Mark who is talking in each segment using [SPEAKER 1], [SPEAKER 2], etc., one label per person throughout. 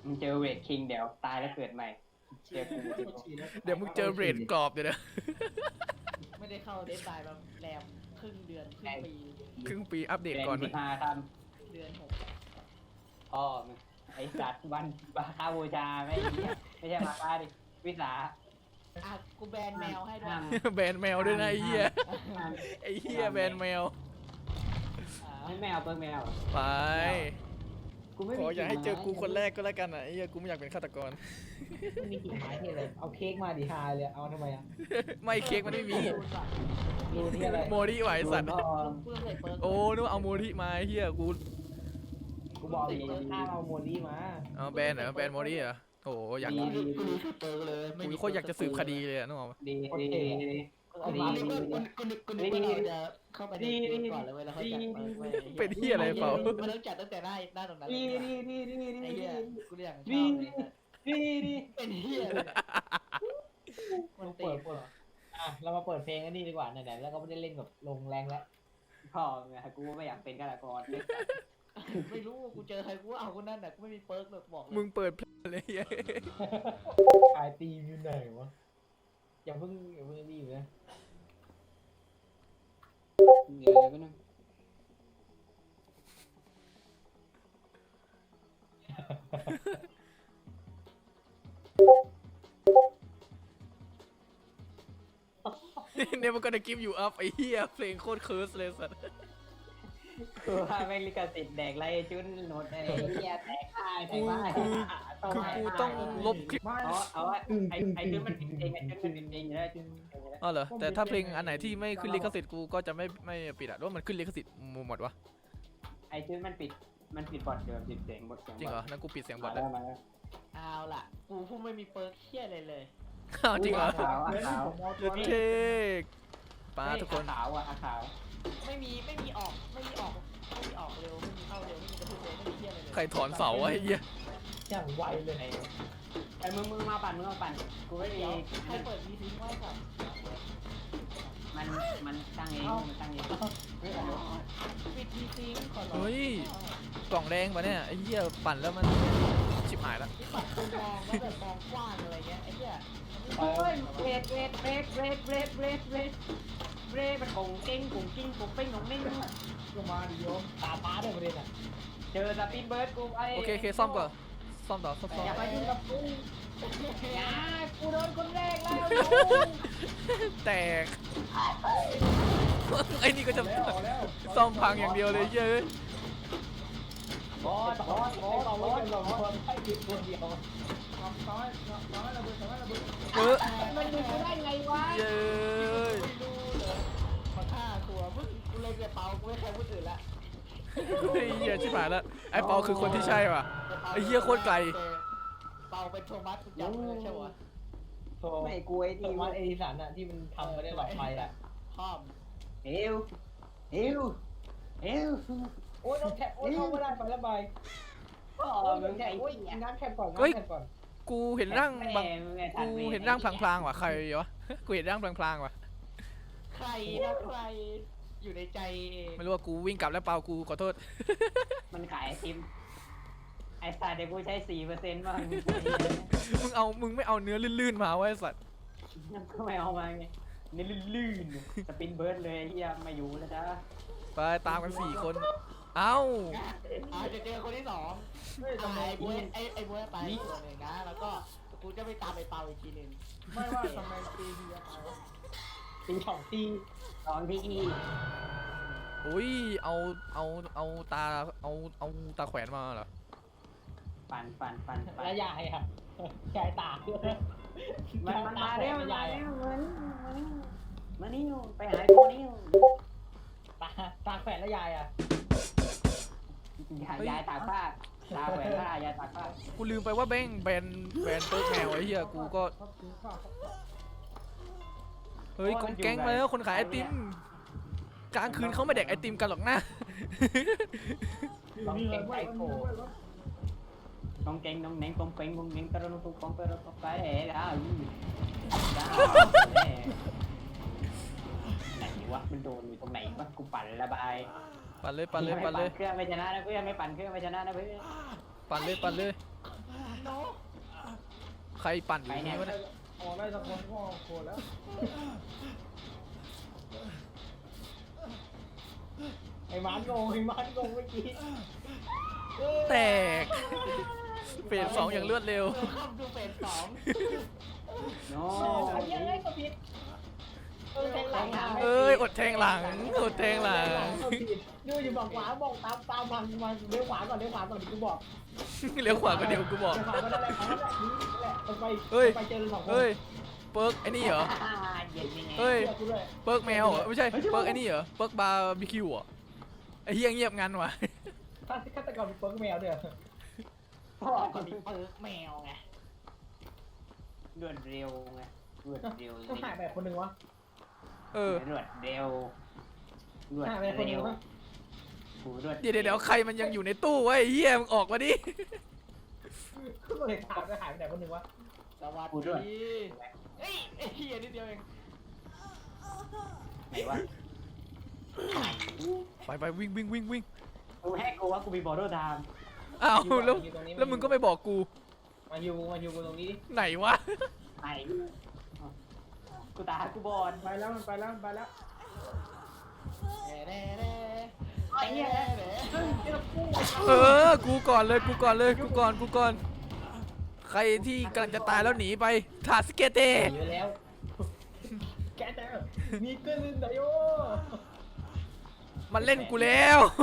[SPEAKER 1] มึงเจอเวทคิงเดี๋ยวตายแล้วเกิดใหม่เจอกู
[SPEAKER 2] เดี๋ยวมึงเจอเบรดกรอบเดี๋ยวนะ
[SPEAKER 3] ไม่ได้เข้าเดทไลน์มาแรมครึ่งเดือนครึ่งปี
[SPEAKER 2] ครึ่งปีอัปเดต
[SPEAKER 1] เดือน
[SPEAKER 2] ก่อน
[SPEAKER 1] สิบห้าท
[SPEAKER 3] เดือน6
[SPEAKER 1] ำพ่อมึงไอ้สัตว์วันมาค่าบูชาไม่ไม่ใช่มาค่าดิวิสา
[SPEAKER 3] อ่ะกูแบนแมวให้ด้วย
[SPEAKER 2] แบนแมวด้วยนะไอ้เหี้ยไอ้เหี้ยแบนแมว
[SPEAKER 1] ให้แมวเปิ้งแมว
[SPEAKER 2] ไป
[SPEAKER 1] กูไม่
[SPEAKER 2] ขออย่าให้เจอกูคนแรกก็แล้วกันอ่ะไอ้เหี้ยกูไม่อยากเป็นฆาตกร
[SPEAKER 4] ไม่มีกิ่งไม้ที่อะไรเอาเค้กมาดิฮาเลยเอาทำไมอ่ะ
[SPEAKER 2] ไม่เค้กมันไม่มี
[SPEAKER 4] รูที่อะไร
[SPEAKER 2] โมริไหวสัตว์
[SPEAKER 1] พ่อ
[SPEAKER 3] เพื่อนใส่เปิร์ก
[SPEAKER 2] โอ้นึกว่าเอาโมริมาไอ้เหี้ยกู
[SPEAKER 4] กูบอกอยู่ข้ามเอาโมลี่มา
[SPEAKER 2] เอาแบนเหรอแบนโมริเหรอโอ้อยาก
[SPEAKER 3] กูรู้ชื่อเปิร์กเลยไม่
[SPEAKER 2] กู
[SPEAKER 3] มี
[SPEAKER 2] โคตรอยากจะสืบคดีเลยอะนึกออกปะ
[SPEAKER 1] ดีดีดี
[SPEAKER 4] เอามา
[SPEAKER 3] กูนึกว่ากูนึกว่าเราจะเข้าไปในเกมก่อนเลยเว้ยแล้วค่อยจัดเปิร์กเว้ย
[SPEAKER 2] เป็นเหี้ยอะไรเปล่า
[SPEAKER 3] มันต้องจัดตั้งแต่หน้าตรงนั้น
[SPEAKER 1] ดี
[SPEAKER 3] เลย
[SPEAKER 1] ดีดีดีดี
[SPEAKER 3] ไอ้
[SPEAKER 1] ดี
[SPEAKER 3] เหี้ยกูอยากชอบเลย
[SPEAKER 1] ดีดี
[SPEAKER 3] เป็นเหี้ยเลยมัน
[SPEAKER 4] เรา
[SPEAKER 3] ตี
[SPEAKER 4] เปิดอ่ะเรามาเปิดเพลงกันนี่ดีกว่าไหนๆแล้วก็ไม่ได้เล่นกับลงแรงแล้ว
[SPEAKER 1] พ่อไงกูไม่อยากเป็นฆาตกร
[SPEAKER 3] ไม่รู้กูเจอใครกูเอาคนนั้นน่ะกูไม่มีเปิร์กเลยบอกเลย
[SPEAKER 2] มึงเปิดเพลงเลยเหี้ย
[SPEAKER 4] ขายตีมอยู่ไหนวะอย่าเพิ่งรีบนะ
[SPEAKER 1] เดี๋ยวก็นึง
[SPEAKER 2] เนี่ยมันก็จะกิฟอยู่อัพไอ้เหี้ยเพลงโคตรเคิร์สเลยสัตว์
[SPEAKER 1] กูว่าไม่ลิขสิทธิ์แดกไรจุนโนดอะไรเหี้ยแตกตายแตกบ้า
[SPEAKER 2] คือกูต้องลบคลิป
[SPEAKER 1] เอาว่าไอ้จุนมันผิดเองไอ้จุนมันผิดเองอยู่แล้วจุน
[SPEAKER 2] อ๋อเหรอแต่ถ้าเพลงอันไหนที่ไม่ขึ้นลิขสิทธิ์กูก็จะไม่ปิดอะหรือว่ามันขึ้นลิขสิทธิ์หมดวะ
[SPEAKER 1] ไอ้จุนมันปิดบอดเดิมปิดเสียงบทเสียง
[SPEAKER 2] จริงเหรอนั่นกูปิดเสียงบอ
[SPEAKER 1] มา
[SPEAKER 2] ท
[SPEAKER 1] แล้
[SPEAKER 2] แล้ว ว
[SPEAKER 1] มาแล้ว
[SPEAKER 3] เอาล่ะกูพูดไม่มีเปิร์กเหี้ยอะไรเลย
[SPEAKER 2] อ้าวจริงเหรอ
[SPEAKER 1] ขาวขาว
[SPEAKER 2] เด็ดเทกป้าทุกคน
[SPEAKER 1] ขาวอ่ะขาว
[SPEAKER 3] ไม่มีออกเร็วไม่มีเข้าเร็วไม่มีกระทุกเร็วไม่มีเหี้ยอะไรเลย
[SPEAKER 2] ใครถอนเสาไอ้เหี้ย
[SPEAKER 4] อย่างไวเลย
[SPEAKER 1] ไอ้มึงมาปั่นกูไม่มี
[SPEAKER 3] เดี๋ยวใครเปิดมีทิ้งไว้กับ
[SPEAKER 1] มันตั้งเองมันตั้งเอง
[SPEAKER 3] ปิดมีทิ้งขอร้อง
[SPEAKER 2] เฮ้ยกล่องแดงปะเนี่ยไอ้เหี้ยปั่นแล้วมันชิบหายแล้ว
[SPEAKER 3] ที่ปัดคุณมองว่าแบบมองกว้างอะไรเงี้ยไอ้เหี้ย
[SPEAKER 1] โอ้ยเบรดมันคงเก่งคงกิ้งคงเป้งคงเน่ง
[SPEAKER 4] ลงมาดิโยมตาฟ้าด้วยประเด็นอ่ะ
[SPEAKER 1] เจอสปินเบิร์ดกูไอ้
[SPEAKER 2] โอเคซ่อมก่อนซ่อมต่อซ่อม
[SPEAKER 1] อย่าไปยุ่งกับกูอย่ากูโดนคนแรกแล้ว
[SPEAKER 2] แตกไอ้นี่ก็จะซ่อมพังอย่างเดียวเลยเย้ย
[SPEAKER 1] บอส
[SPEAKER 4] เราไม่เป็นเราคนให้ผิดคนเดียว
[SPEAKER 2] เออ
[SPEAKER 1] มันดูกูได้ไงวะ
[SPEAKER 2] เย้ย
[SPEAKER 3] ไม่รู้เลยมาฆ่าตัวมึงกูเลยจะเป่ากูไม่ใครพูดอื่นละ
[SPEAKER 2] ไอ้เหี้ยชิบหายแล้วไอ้เปาคือคนที่ใช่ป่ะ ไอ้เหี้ยโคตรไกล
[SPEAKER 3] เป่าเป็นโทมัสกูจำไม่ได้ใช่ปะ
[SPEAKER 4] โทร
[SPEAKER 1] ไม่กูไอ้
[SPEAKER 4] โท
[SPEAKER 1] นี่
[SPEAKER 4] มัสเอดิสันอ่ะที่มันทำมาได้หลอดไฟอ่ะ
[SPEAKER 3] พ่อม
[SPEAKER 1] เอว
[SPEAKER 4] โอ้ยต้องแคปโอ้ยเข้าไม่ได้ไปแล้วบาย
[SPEAKER 1] ก็มึงไง
[SPEAKER 4] โอ้ยงานแคปก่อนงานแคปก่อน
[SPEAKER 2] กูเห็นร่างบางกูเห็นร่างพลางๆว่ะใครวะกูเห็นร่างพลางๆว่ะ
[SPEAKER 3] ใครนะใครอยู่ในใจเอง
[SPEAKER 2] ไม่รู้ว่ากูวิ่งกลับแล้วเปากูขอโทษ
[SPEAKER 1] มันขายไอติมไอ้สัตว์เดี๋ยวกูใช้4%บ้าง
[SPEAKER 2] มึงไม่เอาเนื้อลื่นๆมาไว้สัตว์
[SPEAKER 1] ก็ไม่เอามาไงนี่ลื่นๆสปินเบิร์ดเลยเฮียมาอยู่แล้วจ้า
[SPEAKER 2] ไปตามกัน4 คนเอ้า
[SPEAKER 3] จะเจอคนที่สองไอ้บวยไอ้บวยตายตัวหนึ่งนะแล้วก็กูจะไปตามไอ้เปาอีกทีหนึ่ง
[SPEAKER 4] ไม่ว่าทำไมตีเดียวไปตีสองตี
[SPEAKER 1] ตอนที่
[SPEAKER 2] อุ้ยเอาตาเอาตาแขวนมาเหรอ
[SPEAKER 1] ปั่น
[SPEAKER 4] แล้วยายอ่ะยายตาก
[SPEAKER 1] มันมาเร็ว
[SPEAKER 4] ยาย
[SPEAKER 1] มานี่ไปหาตัวนี้
[SPEAKER 4] ตาแขวนแล้วยายอ่ะ
[SPEAKER 1] ยายตากผ้าตาแหวนผ้ายายตากผ้า
[SPEAKER 2] กูลืมไปว่าแบงแบนเปิร์กแมวไอ้เหี้ยกูก็เฮ้ยกองแก๊งมาแล้วคนขายไอติมกลางคืนเขาไม่แดกไอติมกันหรอกนะ
[SPEAKER 4] ต้องเก่งใจโผ
[SPEAKER 1] con keng đông nén con keng con nén tao nó con tao nó cái này đã này quá mình đồ người con này quáกูปั่นละบาย
[SPEAKER 2] ปั่นเลย
[SPEAKER 1] เครื่องไม่ชนะนะเพื่อนไม่ปั่นเครื่องไม่ชนะนะเพื่อน
[SPEAKER 2] ปั่นเลย
[SPEAKER 3] โน
[SPEAKER 2] ใครปั่นอยู่นี่วะเนี่ย
[SPEAKER 4] ออกได้สักคนก็โคตรแล้วไอ้มันงงเมื่อกี้
[SPEAKER 2] แตกเฟส2อย่างรวดเร็ว
[SPEAKER 3] เข้าดูเฟส
[SPEAKER 1] โน้
[SPEAKER 4] โอ้ยยังไงก็ผิดแทงหลัง
[SPEAKER 2] เอ้ยอดแทงหลังอดแทงหลัง
[SPEAKER 4] ดูอยู่บอกขวาบอกตามมันเลี้ยวขวาก่อนเดี๋ยวกูบอก
[SPEAKER 2] เลี้ยวขวาก็เดี๋ยวกูบอก
[SPEAKER 4] เลี้ยวขวาก็ได้แหละนี่แหละมันไป
[SPEAKER 2] เฮ้ย
[SPEAKER 4] ไปเจอสองคน
[SPEAKER 2] เฮ้ยเปิร์กไอ้นี่เหรอ
[SPEAKER 1] เย็นยังไง
[SPEAKER 2] เฮ้ย
[SPEAKER 4] เชื่อกูด้วย
[SPEAKER 2] เปิร์กแมวเหรอไม่ใช่เปิร์กไอ้นี่เหรอเปิร์กบาร์บีคิวเหรอไอ้เฮียเงียบงันว่ะ
[SPEAKER 4] ฆาตกรเป็นเปิ้งแมวเด้อ
[SPEAKER 3] พ่อก็มีเปิร์กแมวไง
[SPEAKER 1] รวดเร็วไงรวดเร็ว
[SPEAKER 4] ต้องหายไปคนหนึ่งวะ
[SPEAKER 2] เออ
[SPEAKER 1] รวดเร็วรวด
[SPEAKER 4] หายไปคนหนึ่
[SPEAKER 1] เร็
[SPEAKER 4] ง
[SPEAKER 1] ว
[SPEAKER 4] วะ
[SPEAKER 1] กูรวด
[SPEAKER 2] เดี๋ยวใครมันยังอยู่ในตู้วะไอ้เฮียมึงออกมาดิ
[SPEAKER 4] ก็เลยถามจะหายไปไหนคนหนึ่งวะ
[SPEAKER 3] สวัสดีเฮ้ยไอ้เหี้ยนิดเดียวเอง
[SPEAKER 1] ไหนวะ
[SPEAKER 2] ไปวิ่ง
[SPEAKER 1] กูให้กูว่ากูมีบอลโดทาม
[SPEAKER 2] อ้าวแล้วมึงก็ไม่บอกกู
[SPEAKER 4] มาอยู่กูตรงนี้
[SPEAKER 2] ไหนวะ
[SPEAKER 1] ไหนกูตากูบอล
[SPEAKER 4] ไปแล้วมันไปแล้ว
[SPEAKER 3] เน่ไอ้เหี้ย
[SPEAKER 2] เออกูก่อนเลยกูก่อนใครที่กำลังจะตายแล้วหนีไปถาสเกเต
[SPEAKER 4] เยอะแล้วแกเจอมีเกินไดโอ
[SPEAKER 2] มันเล่นกูแล้ว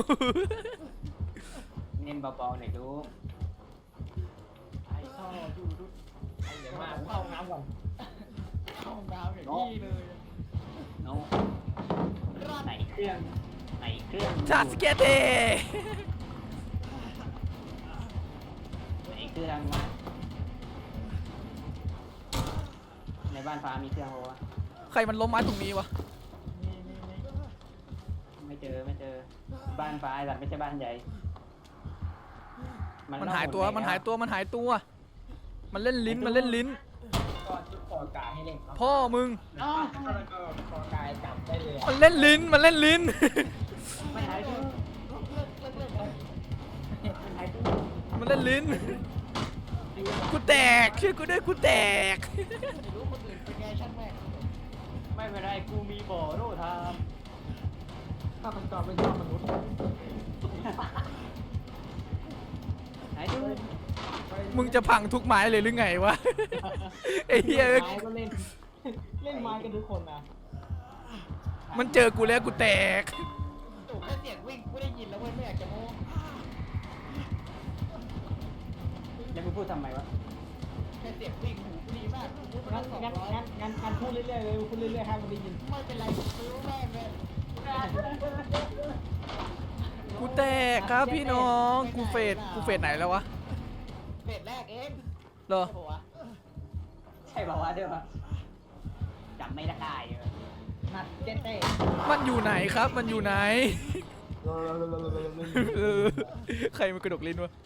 [SPEAKER 1] เน้นเบาๆหน่อยดู
[SPEAKER 3] ไอ้ท่อดู
[SPEAKER 4] เดี๋ยวมาเข้าน้ำก่อน
[SPEAKER 3] ห้องน้ำอย่างนี้เลย
[SPEAKER 1] โน้ไหนเครื่อง
[SPEAKER 2] ถาสเกเต
[SPEAKER 1] ไหนเครื่องวะในบ้านฟ้ามีเครื่องวะ
[SPEAKER 2] ใครมันล้มไม้ตรงนี้วะ
[SPEAKER 1] ไม่เจอบ้านฟ้าแต่ไม่ใช่บ้านใหญ่
[SPEAKER 2] มันหายตัวมันหายตัวมันเล่นลิ้น
[SPEAKER 4] ก่อนขอกายให้เล่นครับ
[SPEAKER 2] พ่อมึง
[SPEAKER 1] อ๋อ
[SPEAKER 4] ขอกายจับได้เลย
[SPEAKER 2] มันเล่นลิ้น
[SPEAKER 1] มันหายตัวมันหายตัว
[SPEAKER 2] มันเล่นลิ้นกูแตกช่วยกูด้วยกูแตก
[SPEAKER 3] ไม่รู้คนอื่นเป็นไงช่างแม่ง
[SPEAKER 1] ไม่เป็นไรกูมีบอลโดทาม
[SPEAKER 4] ถ้ามันก่อนเป็นยอดมนุษย์
[SPEAKER 1] หายตัว
[SPEAKER 2] มึงจะพังทุกไม้เลยหรือไงวะไอ้เหี้ย
[SPEAKER 4] ไม้ก็เล่นไม้กันทุกคนนะ
[SPEAKER 2] มันเจอกูแล้วกูแตก
[SPEAKER 3] โอ้แค่เสียงวิ่งกูได้ยินแล้วเว้ยไม่อยากจะโม้
[SPEAKER 1] แล้วมึงพูดทำไมวะ
[SPEAKER 3] แค่เสียงวิ่งหูดีมากพูดไป
[SPEAKER 4] งั้
[SPEAKER 3] แล้ว200
[SPEAKER 4] นพูดเรื่อยๆเลยพูดเรื่อยๆให้มันได้ยิน
[SPEAKER 3] ไม่เป็นไรซื้อแม่งเลย
[SPEAKER 2] กูแตกครับพี่น้องกูเฟสไหนแล้ววะ
[SPEAKER 3] เฟสแรกเอง
[SPEAKER 2] เหรอ
[SPEAKER 3] ใช่ปะวะ
[SPEAKER 1] ใช่บอกว่าเดี๋ยวจำไม่ได้เลย
[SPEAKER 4] นัดเจ๊เต้
[SPEAKER 2] มันอยู่ไหนครับมันอยู่ไหนเออใครมันกระดกลิ้นวะ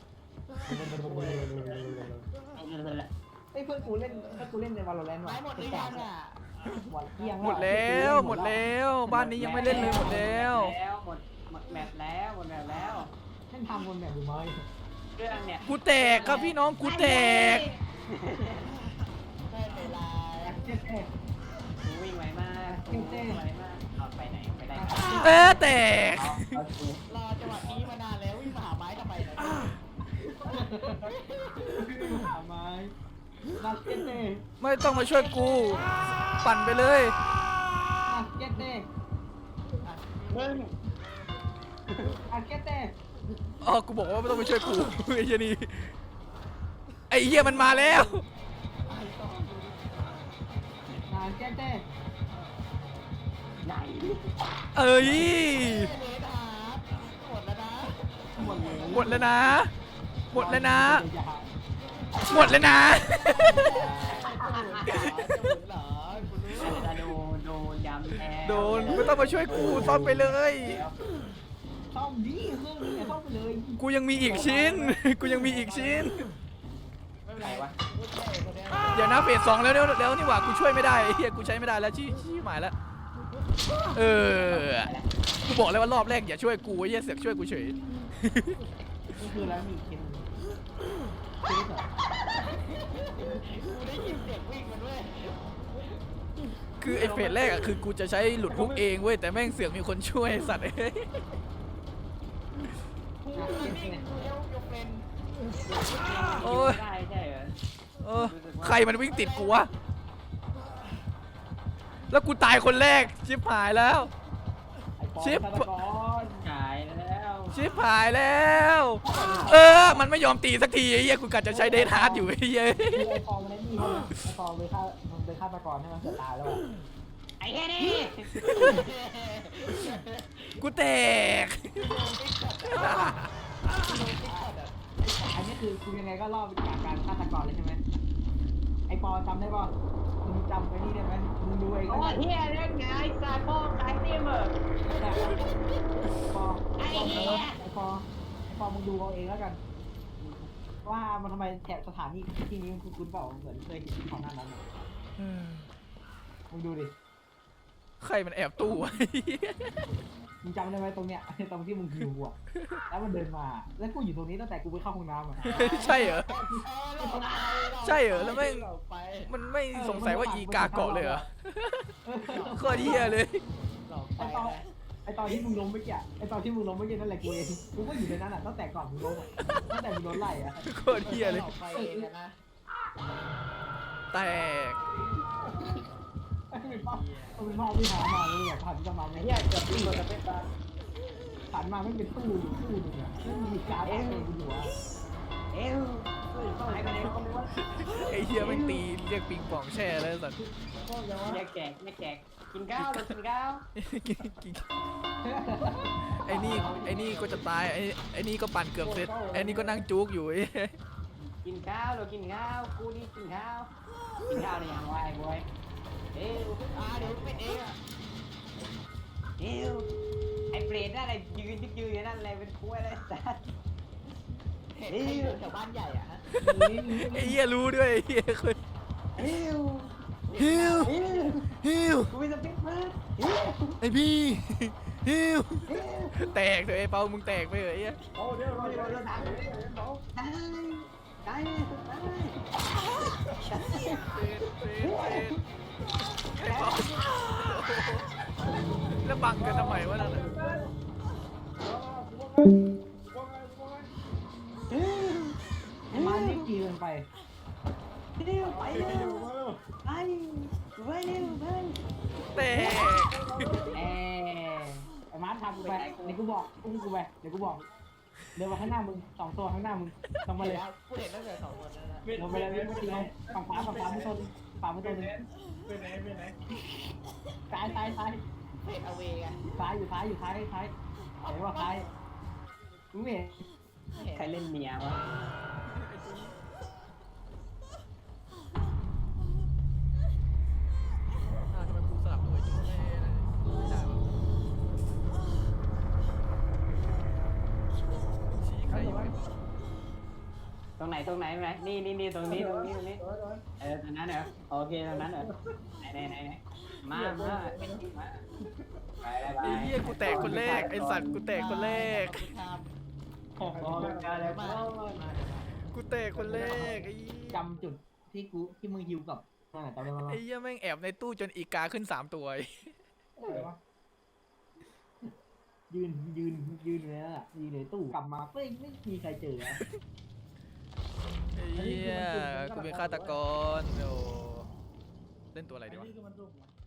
[SPEAKER 4] ไอ้เพื่อนกูเล่นในวาโลแรนต์
[SPEAKER 3] ไม้หมดหรือยังอ่ะ
[SPEAKER 4] หมดเที่ยง
[SPEAKER 2] หมดแล้วบ้านนี้ยังไม่เล่นเลยหมดแล้ว
[SPEAKER 1] หมดแมปแล้ว
[SPEAKER 4] ท่านทำบนแบบดูไหม
[SPEAKER 1] เครื่องเนี่ย
[SPEAKER 2] กูแตกครับพี่น้องกูแตก
[SPEAKER 3] ไม่เป็นไร
[SPEAKER 4] เจ๊เต้
[SPEAKER 1] กูวิ่งไวมากเอาไปไหนไปได้
[SPEAKER 2] แตก
[SPEAKER 1] เอากู
[SPEAKER 3] รอจังหวะนี้มานานแล้ววิ่งมาหาไม้ทำไมเนี่ย
[SPEAKER 4] หาไม้นัดเจ๊เต้
[SPEAKER 2] ไม่ต้องมาช่วยกูปั่นไปเลย
[SPEAKER 4] นัดเจ๊เต้
[SPEAKER 1] มึง
[SPEAKER 4] นัดเจ๊เต้
[SPEAKER 2] อ๋อกูบอกว่าไม่ต้องมาช่วยกูไอ้เหี้ยนี่ไอ้เหี้ยมันมาแล้ว
[SPEAKER 4] นัดเจ๊เต้
[SPEAKER 1] ไหน
[SPEAKER 2] เอ้ย
[SPEAKER 3] เลดฮาร์ดหมดแล้วนะ
[SPEAKER 4] หมดเลย
[SPEAKER 2] หมดแล้วนะ หมดแล้วนะ
[SPEAKER 3] จะหมุนเหรอคุณรู้
[SPEAKER 1] จะโดนยำแทน
[SPEAKER 2] โดนไม่ต้องมาช่วยกูซ่อมไปเลย
[SPEAKER 4] ซ่อมดิเครื่องนี้ซ่อมไปเลย
[SPEAKER 2] กูยังมีอีกชิ้น กูยังมีอีกชิ้น
[SPEAKER 3] ไม่เป็นไรวะพูดแค่คนเนี้ย
[SPEAKER 2] เดี๋ยวนะเฟส 2แล้วนี่หว่ากูช่วยไม่ได้ไอ้เฮียกูใช้ไม่ได้แล้วชี้หมายแล้วเออกูบอกเลยว่ารอบแรกอย่าช่วยกูไอ้เฮียเสือกช่วยกูเฉย
[SPEAKER 4] นี่คือแล้วมีคิมคิมเหรอ
[SPEAKER 2] คือไอ้เฟสแรกอะคือกูจะใช้หลุดฮุกเองเว้ยแต่แม่งเสือกมีคนช่วยไอ้สัตว์เอ้ย
[SPEAKER 3] กูนิ่งกูเลี้ยวยกเป็น
[SPEAKER 2] โอ้ย
[SPEAKER 1] ได้ใช่เหรอ
[SPEAKER 2] เออใครมันวิ่งติดกูวะแล้วกูตายคนแรกชิบหายแล้ว
[SPEAKER 4] ไอ้ปอ
[SPEAKER 2] ชิป
[SPEAKER 4] ฆาตกร
[SPEAKER 1] หายแล้ว
[SPEAKER 2] ชิบหายแล้ว มันไม่ยอมตีสักทีไอ้เหี้ยกูกะจะใช้เดทฮาร์ดอยู่ไอ้เหี้ย
[SPEAKER 4] คือไอ้ปอมันไอ้นี่ใช่ไหมไอ้ปอมันเป็นฆาตกรใช่ไหมเสือตายแล้วอะ
[SPEAKER 1] ไอ้แค่นี้
[SPEAKER 2] กูแตก
[SPEAKER 4] อันนี้คือยังไงก็รอดจากการฆาตกรเลยใช่ไหมไอ้ปอจำได้ป่ะมึงจำไอ้นี่ได้ไหมมึงดูไอ้
[SPEAKER 1] โอ้
[SPEAKER 4] นั่น
[SPEAKER 1] เฮียเล่นไงสายพ่อขายตีมเหรอ
[SPEAKER 4] ปอ
[SPEAKER 1] ไอ้เหี้ย
[SPEAKER 4] ไอ้ปอมึงดูเอาเองแล้วกัน ว่ามันทำไมแถบสถานีที่นี้มันคุ้นๆเปล่าเหมือนเคยเห็นที่ของหน้านั้นอะมึงดูดิ
[SPEAKER 2] ใครมันแอบตู้วะ
[SPEAKER 4] มึงจำได้ไหมตรงเนี้ย ตรงที่มึงหิวอ่ะแล้วมันเดินมา แล้วกูอยู่ตรงนี้ตั้งแต่กูไปเข้าห้องน้ำอ่ะ
[SPEAKER 2] ใช่เหรอ ใช่เหรอแล้วแม่ง
[SPEAKER 3] ไป
[SPEAKER 2] มันไม่สงสัยว่าอีกาเกาะเลยเหรอโคตรเหี้ยเลย
[SPEAKER 3] หลอกไป
[SPEAKER 4] ไอตอนที่มึงล้มเมื่อกี้ไอตอนที่มึงล้มเมื่อกี้นั่นแหละกูเองกูก็อยู่ในนั้นอ่ะตั้งแต่ก่อนมึงล้มอ่ะตั้งแต่มึงโดนไล่อ่ะ
[SPEAKER 2] โคตรเหี้ยเลย
[SPEAKER 3] หอกไปเองนะ
[SPEAKER 2] แตก
[SPEAKER 4] มันเป็นภาพที่หามาเลยแบบผ่านจะมา
[SPEAKER 1] ไอ้
[SPEAKER 4] ไม่
[SPEAKER 1] เหี้ยเกือบตีมันจะเป็นตา
[SPEAKER 4] ผ่านมาไม่เป็นตู้อยู่ตู้หนึงอ่ะไม่มีการเองอยู่อ่ะ
[SPEAKER 1] เอ้วหายไปไหนก็ไม่รู้
[SPEAKER 2] ไอ้เหี้ยแม่งตีเรียกปิงปองแช่เลยสัตว์
[SPEAKER 1] อย่าแจกไม่แจกกินข้าวกินข้าว
[SPEAKER 2] ไอ้นี่ก็จะตายไอ้นี่ก็ปั่นเกือบเสร็จไอ้นี่ก็นั่งจุกอยู่ไอ้
[SPEAKER 1] กินข้าวเรากินข้าวกูนี่กินข้าวกินข้าวในอย่างไรบอยเอ้ว
[SPEAKER 3] เดี๋ยวเป็นเองอ่ะ
[SPEAKER 1] เอ้วไอ้เปรตนั่นอะไรยืนอยู่นั่นอะไรเป็นคุ้ยอะไรสัตว์
[SPEAKER 3] เห็นแถวบ้านใหญ่อ่ะ
[SPEAKER 2] ไอ้เหี้ยรู้ด้วยไอ้เหี้ยคน
[SPEAKER 1] เอ้ว
[SPEAKER 2] ฮิว
[SPEAKER 1] เอ้ว
[SPEAKER 2] ฮิว
[SPEAKER 1] กูมีสปิ๊กมาเอ้ว
[SPEAKER 2] ไอ้พี่ฮิวแตกเถอะไอ้เปามึงแตกไปเหรอไอ้เหี้ย
[SPEAKER 1] โอ้เดี๋ยวเราทำได้
[SPEAKER 2] ไอ้เปาแล้วบังกันทำไมวะนั่นน่ะ
[SPEAKER 4] ไอ้มันนี่กีเกินไป
[SPEAKER 1] เร็วไปเร็วไปไปเร็วไป
[SPEAKER 2] แตก
[SPEAKER 4] ไอ้มาร์ททำกูไปเดี๋ยวกูบอกอุ้มกูไปเดี๋ยวกูบอกเดินมาข้างหน้ามึง2 ตัวข้างหน้ามึงต้องมาเลย
[SPEAKER 3] กูเห็นตั้งแต่2 คนนั้นนะ
[SPEAKER 4] ลงไปเลยไม่ตีเลยฝั่งขวาไม่ชนฝั่งไม่ชนเลย
[SPEAKER 5] ไปไหน
[SPEAKER 4] ซ้าย
[SPEAKER 3] เห็นเอาเวไง
[SPEAKER 4] ซ้ายอยู่ท้ายเห็นว่าซ้ายมึงไม่เห็น
[SPEAKER 1] ใครเล่นเมียวะ
[SPEAKER 2] ทำไมกูสลับด้วยจุ๊บไม่ได้วะชี้ใครอยู่ไอ้เปา
[SPEAKER 1] ตรงไหนนี่ตรงนี้ตรงนั้นเหรอโอเคตรงนั้นเหรอไหนมาไป
[SPEAKER 2] ไอ้เหี้ยกูแตกคนแรกไอ้สัตว์กูแตกคนแรก
[SPEAKER 1] โอ้โหอะไรมา
[SPEAKER 2] กูแตกคนแรกไอ้เหี้ย
[SPEAKER 4] จำจุดที่มึงฮิวกับนั่นแหละจำได้ไหม
[SPEAKER 2] ไอ้เหี้ยแม่งแอบในตู้จนอีกาขึ้น3 ตัว
[SPEAKER 4] ยืนอยู่นั่นแหละยืนในตู้กลับมาไม่มีใครเจอ
[SPEAKER 2] ไอ้เหี้ยกูเป็นฆาตกรโอ้เล่นตัวอะไรดีวะ
[SPEAKER 5] นี่คือมันดุก